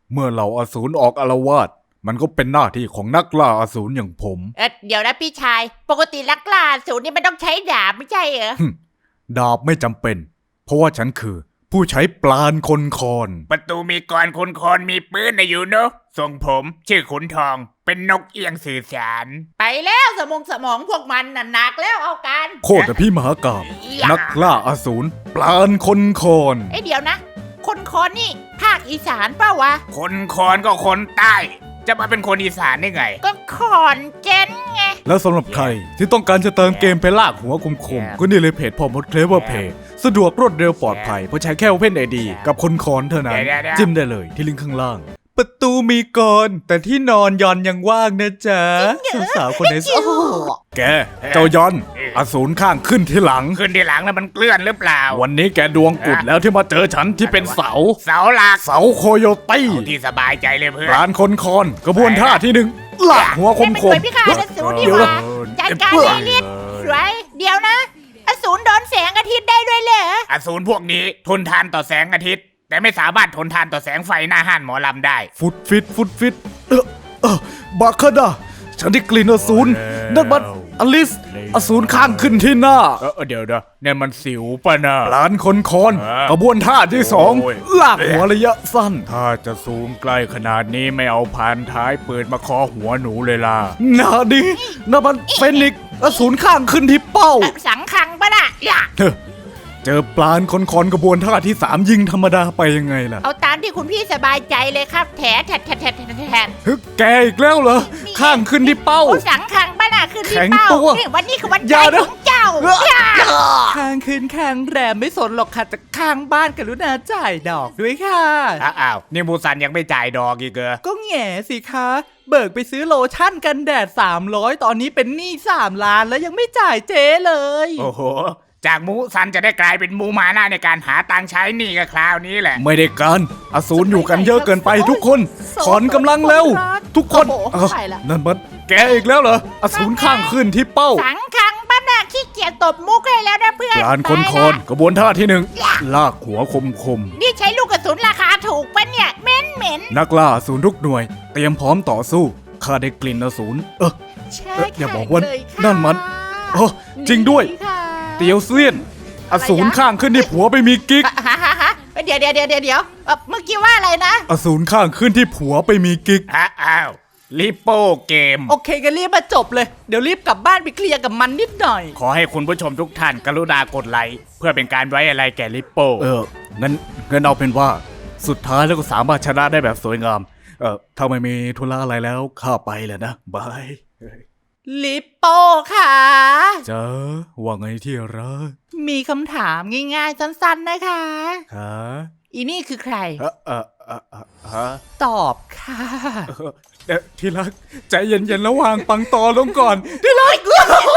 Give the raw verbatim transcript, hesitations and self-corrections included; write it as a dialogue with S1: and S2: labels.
S1: เมื่อเหล่าอสูรออกอาละวาดมันก็เป็นหน้าที่ของนักล่าอสูรอย่างผม
S2: เอ๊ะเดี๋ยวนะพี่ชายปกติลักล่าอสูรนี่มันต้องใช้ดาบไม่ใช่เหรอ
S1: ดาบไม่จำเป็น เพราะว่าฉันคือผู้ใช้ปราณคนคอน
S3: ประตูมีกรคนคนมีปืนนะอยู่เนอะทรงผมชื่อขุนทองเป็นนกเอียงสื่อสาร
S2: ไปแล้วสมองสมองพวกมันน่ะหนักแล้วเอากัน
S1: โคตรพี่มหากาบนักล่าอสูรปราณคนคอน
S2: ไอ้เดี๋ยวนะ คนคอนนี่ภาคอีสานเปล่าวะ
S3: คนคอนก็คนใต้จะมาเป็นคนอีสานได้ไง
S2: ก็ขอนเจนไง
S1: แล้วสำหรับใครที่ต้องการจะเติมเกมไปลากหัวคมๆก็นี่เลยเพจพอมดเคลเวอร์เพย์สะดวกรวดเร็วปลอดภัยเพราะใช้แค่ Open ไอ ดี กับคนคอนเท่านั้น
S3: เดี๋ยวๆๆ
S1: จิ้มได้เลยที่ลิงก์ข้างล่าง ประตูมีก่อนแต่ที่นอนยอนยังว่างนะจ๊ะสาวๆคนไหนโอ้แกเจ้ายอนอสูรข้างขึ้นที่หลัง
S3: ขึ้นทีหลังแล้วมันเกลื่อนหรือเปล่า
S1: วันนี้แกดวงกุดแล้วที่มาเจอฉันที่เป็นเสา
S3: เสาหลัก
S1: เสาโคโยตี้
S3: เอาที่สบายใจเลยเพื่อ
S1: ปราน นคนคอนกระบวนท่าที่หนึ่งลากหัวค
S2: ไม่
S1: ม
S2: เป็น
S1: ค
S2: ค
S1: ม
S2: นพิฆาตอสูรนี่
S1: เดี๋ยว
S2: ห
S1: นะ
S2: ว่าจัดการเลยลิศสวยเดี๋ยวนะ อสูรโดนแสงอาทิตย์ได้ด้วยเหรอ
S3: อสูรพวกนี้ทนทานต่อแสงอาทิตย์ แต่ไม่สามารถทนทานต่อแสงไฟหน้าห้านหมอลำได้
S1: ฟุตฟิตฟุตฟิตเออเออบาคาดาฉันได้กลิ่นอสูรนั่นมันอลิสอสูรข้างขึ้นที่หน้า
S3: เออเดี๋ยวนะเนี่ยมันสิวป่ะนะ
S1: ปรานคนคอน
S3: เออ
S1: กระบวนท่าที่สอง
S3: โอ้ย
S1: ลากหัวระยะสั้น
S3: ถ้าจะซูมใกล้ขนาดนี้ไม่เอาพานท้ายปืนมาเคอหัวหนูเลยล่ะ
S1: นาดีนั่นมันเฟนิกซ์อสูรข้างขึ้นที่เป้า
S2: เอ่อสังคังปะน่ะอย่า
S1: เฮ้อเจอปลานคนคอนกระบวนท่าที่สามยิงธรรมดาไปยังไงล่ะ
S2: เอาตามที่คุณพี่สบายใจเลยครับแถแถแถแถแถแถแถ
S1: เฮ้ยแกอีกแล้วเหรอข้างขึ้นที่เป้า
S2: โอ้สังคังปะน่ะคือที่
S1: แข็ง
S2: เป้า
S1: ตัว
S2: นี่วันนี้คือวัน
S1: อ
S2: ใจ
S1: ย่านะ
S2: ของเจ้าอย่า
S4: ข้างคืนข้างแรมไม่สนหรอกค่ะจะข้างบ้านกรุณาจ่ายดอกด้วยค่ะ
S3: อ้าวนี่มูซันยังไม่จ่ายดอกอีกเหรอ
S4: ก็แง่สิคะ เบิกไปซื้อโลชั่นกันแดด สามร้อย ตอนนี้เป็นหนี้สามล้านแล้วยังไม่จ่ายเจ๊เลย
S3: โอ้โห จากมูซันจะได้กลายเป็นมูมาหน้าในการหาตังค์ใช้หนี้กับคราวนี้แหละ
S1: ไม่ได้การอสูรอยู่กันเยอะเกินไปทุกคนถอนกำลังเร็ว ทุกคน
S2: โอ้โห
S1: เอ้า
S2: ไปละ
S1: นั่นมันแกอีกแล้วเหรออสูรข้างขึ้นที่เป้า
S2: สังคังปะน่ะขี้เกียจตบมุกให้แล้วนะเพื่อน
S1: ปลานคนคอนกระบวนท่าที่หนึ่งลากหัวคมคม
S2: นี่ใช้ลูกกระสุนราคาถูกปะเนี่ยเหม็นเหม็น
S1: ๆนักล่าอสูรทุกหน่วย เตรียมพร้อมต่อสู้ข้าได้กลิ่นอสูรเออ
S2: ใช่
S1: เอ๊ะอย่าบอกว่า
S2: เลยค่ะ
S1: นั่นมันโอ้จริงด้วย
S2: นี่ค่ะ
S1: เตียวเซียนอสูรข้างขึ้นที่ผัวไปมีกิ๊ก
S2: ฮะฮะฮะเดี๋ยวเดี๋ยวเดี๋ยวเดี๋ยวเดี๋ยวเอ่อเมื่อกี้ว่าอะไรนะ
S1: อสูรข้างขึ้นที่ผัวไปมีกิ๊ก
S3: ฮะอ้าวลิโป้เกม
S4: โอเคก็รีบมาจบเลย เดี๋ยวรีบกลับบ้านไปเคลียร์กับมันนิดหน่อย
S3: ขอให้คุณผู้ชมทุกท่านกรุณากดไลค์เพื่อเป็นการไว้อะไรแก่ลิโป้
S1: เอองั้นงั้นเอาเป็นว่าสุดท้ายแล้วก็สามารถชนะได้แบบสวยงามเออถ้าไม่มีธุระอะไรแล้วข้าไปแหละนะบาย
S4: ลิปโป้ค่ะ
S1: เจ้าว่าไงที่รัก
S4: มีคำถามง่ายๆสั้นๆนะคะ
S1: ฮะ
S4: อีนี่คือใคร
S1: เออเออเออเออฮะ
S4: ตอบค่ะ
S1: เออเอ่อที่รักใจเย็นๆแล้ววางปังตอลงก่อน ที่รัก